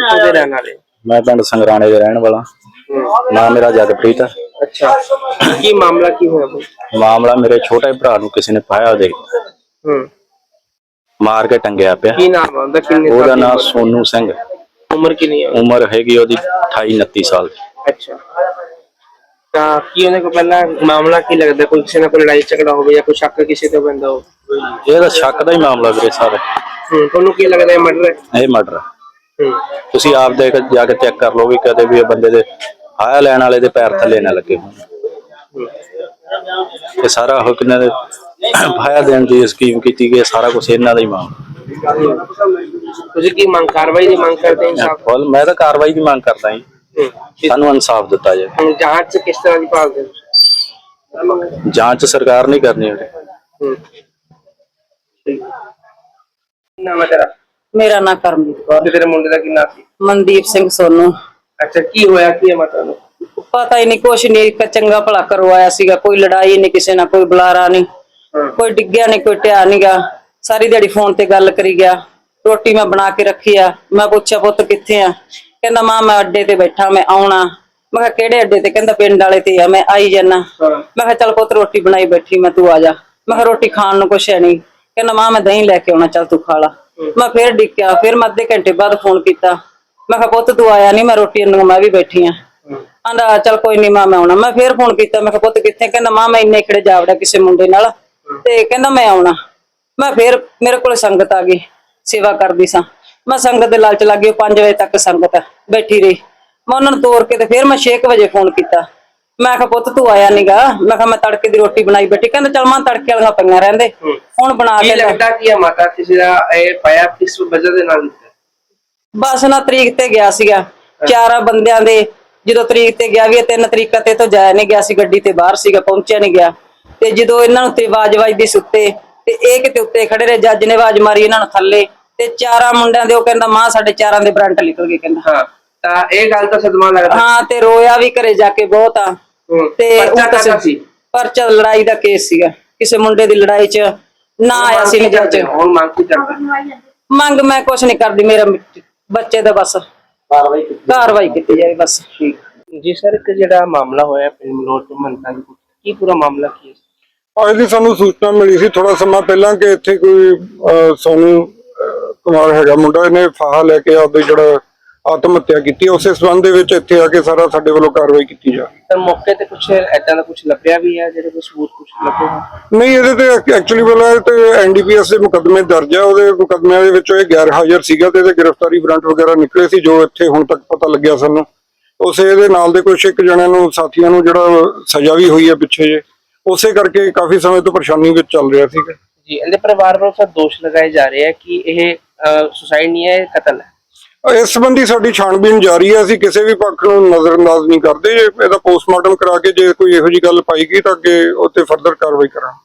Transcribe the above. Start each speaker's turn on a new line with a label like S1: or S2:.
S1: ਕਿੱਥੋਂ ਦੇ ਰਹਿਣ ਵਾਲੇ?
S2: मैं पिंड संगराणे का रहने वाला। नाम मेरा जगप्रीत है।
S1: अच्छा, की मामला की होया भाई?
S2: मामला मेरे छोटे भरा नूं किसी ने पाया दे मार के टंगया पिया।
S1: की नाम है उनका? किन्ने साल
S2: ਉਹਦਾ
S1: ਦੀ
S2: नाम
S1: उम्र?
S2: सोनू सिंह।
S1: उम्र कितनी है?
S2: उम्र हैगी ਉਹਦੀ 28-29 साल।
S1: अच्छा, ਤਾਂ ਕੀ ਉਹਨੇ ਕੋ ਪਹਿਲਾਂ ਮਾਮਲਾ ਕੀ ਲੱਗਦਾ? ਕੋਈ ਕਿਸੇ ਨਾਲ ਕੋਈ ਲੜਾਈ ਝਗੜਾ ਹੋਵੇ ਜਾਂ ਕੋਈ ਸ਼ੱਕ ਕਿਸੇ ਤੇ ਪੈਂਦਾ ਹੋ?
S2: ਇਹ ਤਾਂ ਸ਼ੱਕ ਦਾ ਹੀ ਮਾਮਲਾ ਵੀਰੇ ਸਾਰੇ।
S1: ਤੁਹਾਨੂੰ ਕੀ ਲੱਗਦਾ ਇਹ ਮਰਡਰ ਹੈ?
S2: ਇਹ ਮਰਡਰ ਤੁਸੀਂ ਆਪ ਦੇ ਜਾ ਕੇ ਚੈੱਕ ਕਰ ਲਓ ਵੀ ਕਦੇ ਵੀ ਇਹ ਬੰਦੇ ਦੇ ਆਇਆ ਲੈਣ ਵਾਲੇ ਦੇ ਪੈਰ ਥੱਲੇ ਨਾ ਲੱਗੇ ਹੋਣ। ਇਹ ਸਾਰਾ ਉਹ ਕਿਨਾਂ ਦੇ ਫਾਇਆ ਦੇਣ ਦੀ ਸਕੀਮ ਕੀਤੀ ਗਈ, ਸਾਰਾ ਕੁਝ ਇਹਨਾਂ ਦਾ ਹੀ ਮਾਮਲਾ।
S1: ਤੁਸੀਂ ਕੀ ਮੰਗ, ਕਾਰਵਾਈ ਦੀ ਮੰਗ ਕਰਦੇ ਇਨਸਾਫ?
S2: ਮੈਂ ਤਾਂ ਕਾਰਵਾਈ ਦੀ ਮੰਗ ਕਰਦਾ ਜੀ, ਸਾਨੂੰ ਇਨਸਾਫ ਦਿੱਤਾ ਜਾਏ।
S1: ਜਾਂਚ ਕਿਸ ਤਰ੍ਹਾਂ ਦੀ ਭਾਲਦੇ?
S2: ਜਾਂਚ ਸਰਕਾਰ ਨਹੀਂ ਕਰਨੀ।
S1: ਨਾਮ ਹੈ ਤੇਰਾ?
S3: ਮੇਰਾ ਨਾਂ ਕਰਮਜੀਤ ਕੌਰ।
S1: ਤੇ ਤੇਰੇ ਮੁੰਡੇ ਦਾ ਕੀ ਨਾਮ ਸੀ?
S3: ਮਨਦੀਪ ਸਿੰਘ ਸੋਨੂ।
S1: ਅੱਛਾ, ਕੀ ਹੋਇਆ ਕੀ ਹੈ ਮਾਤਾ ਨੂੰ?
S3: ਪਤਾ ਹੀ ਨਹੀਂ, ਕੁਛ ਨਹੀਂ, ਇੱਕ ਚੰਗਾ ਭਲਾ ਕਰਵਾਇਆ ਸੀਗਾ, ਕੋਈ ਲੜਾਈ ਨਹੀਂ ਕਿਸੇ ਨਾਲ, ਕੋਈ ਬੁਲਾਰਾ ਨਹੀਂ, ਕੋਈ ਡਿੱਗਿਆ ਨਹੀਂ, ਕੋਈ ਢਿਆ ਨੀ ਗਾ। ਸਾਰੀ ਦਿਹਾੜੀ ਫੋਨ ਤੇ ਗੱਲ ਕਰੀ ਗਿਆ। ਰੋਟੀ ਮੈਂ ਬਣਾ ਕੇ ਰੱਖੀ ਆ। ਮੈਂ ਪੁੱਛਿਆ ਪੁੱਤ ਕਿੱਥੇ ਆ? ਕਹਿੰਦਾ ਮਾਂ ਮੈਂ ਅੱਡੇ ਤੇ ਬੈਠਾ, ਮੈਂ ਆਉਣਾ। ਮੈਂ ਕਿਹਾ ਕਿਹੜੇ ਅੱਡੇ ਤੇ? ਕਹਿੰਦਾ ਪਿੰਡ ਵਾਲੇ ਤੇ ਆ, ਮੈਂ ਆਈ ਜਾਨਾ। ਮੈਂ ਕਿਹਾ ਚੱਲ ਪੁੱਤ ਰੋਟੀ ਬਣਾਈ ਬੈਠੀ ਮੈਂ, ਤੂੰ ਆ ਜਾ। ਮੈਂ ਕਿਹਾ ਰੋਟੀ ਖਾਣ ਨੂੰ ਕੁਛ ਹੈ ਨਹੀਂ। ਕਹਿੰਦਾ ਮਾਂ ਮੈਂ ਦਹੀਂ ਲੈ ਕੇ ਆਉਣਾ, ਚੱਲ ਤੂੰ ਖਾ ਲਾ। ਮੈਂ ਫੇਰ ਡਿੱਕਿਆ, ਫਿਰ ਮੈਂ ਅੱਧੇ ਘੰਟੇ ਬਾਅਦ ਫੋਨ ਕੀਤਾ। ਮੈਂ ਕਿਹਾ ਪੁੱਤ ਤੂੰ ਆਇਆ ਨਹੀਂ, ਮੈਂ ਰੋਟੀ ਨੂੰ ਮੈਂ ਵੀ ਬੈਠੀ ਆ। ਆਂਦਾ ਚੱਲ ਕੋਈ ਨੀ ਮਾਂ ਮੈਂ ਆਉਣਾ। ਮੈਂ ਫੇਰ ਫੋਨ ਕੀਤਾ, ਮੈਂ ਕਿਹਾ ਪੁੱਤ ਕਿੱਥੇ? ਕਹਿੰਦਾ ਮਾਂ ਮੈਂ ਇੰਨੇ ਖੜੇ ਜਾ ਵੜਿਆ ਕਿਸੇ ਮੁੰਡੇ ਨਾਲ ਤੇ ਕਹਿੰਦਾ ਮੈਂ ਆਉਣਾ। ਮੈਂ ਫੇਰ ਮੇਰੇ ਕੋਲ ਸੰਗਤ ਆ ਗਈ, ਸੇਵਾ ਕਰਦੀ ਸਾਂ। ਮੈਂ ਸੰਗਤ ਦੇ ਲਾਲਚ ਲੱਗ ਗਈ। 5 ਵਜੇ ਤੱਕ ਸੰਗਤ ਬੈਠੀ ਰਹੀ। ਮੈਂ ਉਹਨਾਂ ਨੂੰ ਤੋਰ ਕੇ ਤੇ ਫੇਰ ਮੈਂ 6 ਵਜੇ ਫੋਨ ਕੀਤਾ। ਮੈਂ ਕਿਹਾ ਪੁੱਤ ਤੂੰ ਆਇਆ ਨੀਗਾ। ਮੈਂ ਕਿਹਾ ਮੈਂ ਤੜਕੇ ਦੀ ਰੋਟੀ ਬਣਾਈ ਬੈਠੀ। ਕਹਿੰਦਾ ਚੱਲ ਮਾਂ ਤੜਕੇ ਵਾਲੀਆਂ ਪਈਆਂ ਰਹਿੰਦੇ, ਹੁਣ ਬਣਾ ਕੇ।
S1: ਲੱਗਦਾ ਕੀ ਹੈ ਮਾਤਾ ਕਿਸੇ ਦਾ ਇਹ ਪਾਇਆ ਕਿਸ ਵਜ੍ਹਾ ਦੇ ਨਾਲ?
S3: ਬਸ ਨਾ ਤਰੀਕ ਤੇ ਗਿਆ ਸੀਗਾ 4 ਬੰਦਿਆਂ ਦੇ। ਜਦੋਂ ਤਰੀਕ ਤੇ ਗਿਆ ਵੀ 3 ਤਰੀਕਾਂ ਤੇ ਤੋਂ ਜਾਇਆ ਨਹੀਂ ਗਿਆ ਸੀ, ਗੱਡੀ ਤੇ ਬਾਹਰ ਸੀਗਾ, ਪਹੁੰਚਿਆ ਨਹੀਂ ਗਿਆ। ਤੇ ਜਦੋਂ ਇਹਨਾਂ ਨੂੰ ਤੇ ਆਵਾਜ਼ ਵੱਜਦੀ ਸੁੱਤੇ ਤੇ ਇਹ ਕਿਤੇ ਉੱਤੇ ਖੜੇ ਰਹੇ। ਜੱਜ ਨੇ ਆਵਾਜ਼ ਮਾਰੀ ਇਹਨਾਂ ਨੂੰ ਥੱਲੇ ਤੇ 4 ਮੁੰਡਿਆਂ ਦੇ ਉਹ ਕਹਿੰਦਾ ਮਾਂ ਸਾਡੇ 4 ਦੇ ਬਰੰਟ ਨਿਕਲ ਗਏ। ਕਹਿੰਦਾ
S1: ਹਾਂ, ਤਾਂ ਇਹ ਗੱਲ ਤਾਂ ਸਦਮਾ ਲੱਗਦਾ।
S3: ਹਾਂ, ਤੇ ਰੋਇਆ ਵੀ ਘਰੇ ਜਾ ਕੇ ਬਹੁਤ ਆ। ਤੇ ਪਰਚਾ ਲੜਾਈ ਦਾ ਕੇਸ ਸੀਗਾ, ਕਿਸੇ ਮੁੰਡੇ ਦੀ ਲੜਾਈ ਚ ਨਾ ਆਇਆ ਸੀ ਜੱਜ।
S1: ਹੁਣ ਮੰਗ ਕੀ ਕਰਦਾ?
S3: ਮੰਗ ਮੈਂ ਕੁਛ ਨਹੀਂ ਕਰਦੀ, ਮੇਰਾ ਬੱਚੇ ਦਾ ਬਸ ਕਾਰਵਾਈ ਕੀਤੀ ਜਾਵੇ ਬਸ।
S1: ਠੀਕ ਜੀ ਸਰ, ਇੱਕ ਜਿਹੜਾ ਮਾਮਲਾ ਹੋਇਆ ਪਿੰਡ ਮਲੋਟ ਤੋਂ ਮੰਨਤਾ ਦੀ, ਕੀ ਪੂਰਾ ਮਾਮਲਾ ਕੀ ਹੈ?
S4: ਅੱਜ ਦੀ ਸਾਨੂੰ ਸੂਚਨਾ ਮਿਲੀ ਸੀ ਥੋੜਾ ਸਮਾਂ ਪਹਿਲਾਂ ਕਿ ਇੱਥੇ ਕੋਈ ਸੋਨੂ ਕੁਮਾਰ ਹੈਗਾ ਮੁੰਡਾ, ਇਹਨੇ ਫਾਹਾ ਲੈ ਕੇ ਆਪਦੇ ਜਿਹੜਾ ਆਤਮ ਹੱਤਿਆ ਕੀਤੀ। ਉਸੇ ਸੰਬੰਧ ਦੇ ਵਿੱਚ ਇੱਥੇ ਆ ਕੇ ਸਾਰਾ ਸਾਡੇ ਵੱਲੋਂ ਕਾਰਵਾਈ ਕੀਤੀ ਜਾ ਰਹੀ ਹੈ।
S1: ਸਰ ਮੌਕੇ ਤੇ ਕੁਝ ਏਦਾਂ ਦਾ ਕੁਝ ਲੱਭਿਆ ਵੀ ਹੈ ਜਿਹੜੇ ਕੋਈ ਸਬੂਤ ਕੁਝ ਲੱਭੇ ਹੋਣ?
S4: ਨਹੀਂ, ਇਹਦੇ ਤੇ ਐਕਚੁਅਲੀ ਵਾਲਾ ਤੇ ਐਨਡੀਪੀਐਸ ਦੇ ਮੁਕੱਦਮੇ ਦਰਜ ਹੈ। ਉਹਦੇ ਮੁਕੱਦਮਿਆਂ ਦੇ ਵਿੱਚ ਇਹ ਗੈਰ ਹਾਜ਼ਰ ਸੀਗਾ ਤੇ ਇਹਦੇ ਗ੍ਰਿਫਤਾਰੀ ਵਾਰੰਟ ਵਗੈਰਾ ਨਿਕਲੇ ਸੀ, ਜੋ ਇੱਥੇ ਹੁਣ ਤੱਕ ਪਤਾ ਲੱਗਿਆ ਸਾਨੂੰ। ਉਸੇ ਇਹਦੇ ਨਾਲ ਦੇ ਕੁਝ ਇੱਕ ਜਣਿਆਂ ਨੂੰ, ਸਾਥੀਆਂ ਨੂੰ ਜਿਹੜਾ ਸਜ਼ਾ ਵੀ ਹੋਈ ਹੈ ਪਿੱਛੇ ਜੇ, ਉਸੇ ਕਰਕੇ ਕਾਫੀ ਸਮੇਂ ਤੋਂ ਪਰੇਸ਼ਾਨੀ ਵਿੱਚ ਚੱਲ ਰਿਹਾ ਸੀਗਾ
S1: ਜੀ। ਇਹਦੇ ਪਰਿਵਾਰ ਵੱਲੋਂ ਸਰ ਦੋਸ਼ ਲਗਾਏ ਜਾ ਰਹੇ ਆ ਕਿ ਇਹ ਸੁਸਾਈਡ ਨਹੀਂ ਹੈ, ਕਤਲ ਹੈ।
S4: ਇਸ ਸੰਬੰਧੀ ਸਾਡੀ ਛਾਣਬੀਣ ਜਾਰੀ ਹੈ। ਅਸੀਂ ਕਿਸੇ ਵੀ ਪੱਖ ਨੂੰ ਨਜ਼ਰਅੰਦਾਜ਼ ਨਹੀਂ ਕਰਦੇ। ਇਹਦਾ ਪੋਸਟਮਾਰਟਮ ਕਰਾ ਕੇ ਜੇ ਕੋਈ ਇਹੋ ਜਿਹੀ ਗੱਲ ਪਾਈ ਗਈ ਤਾਂ ਅੱਗੇ ਉੱਤੇ ਫਰਦਰ ਕਾਰਵਾਈ ਕਰਾਂਗੇ।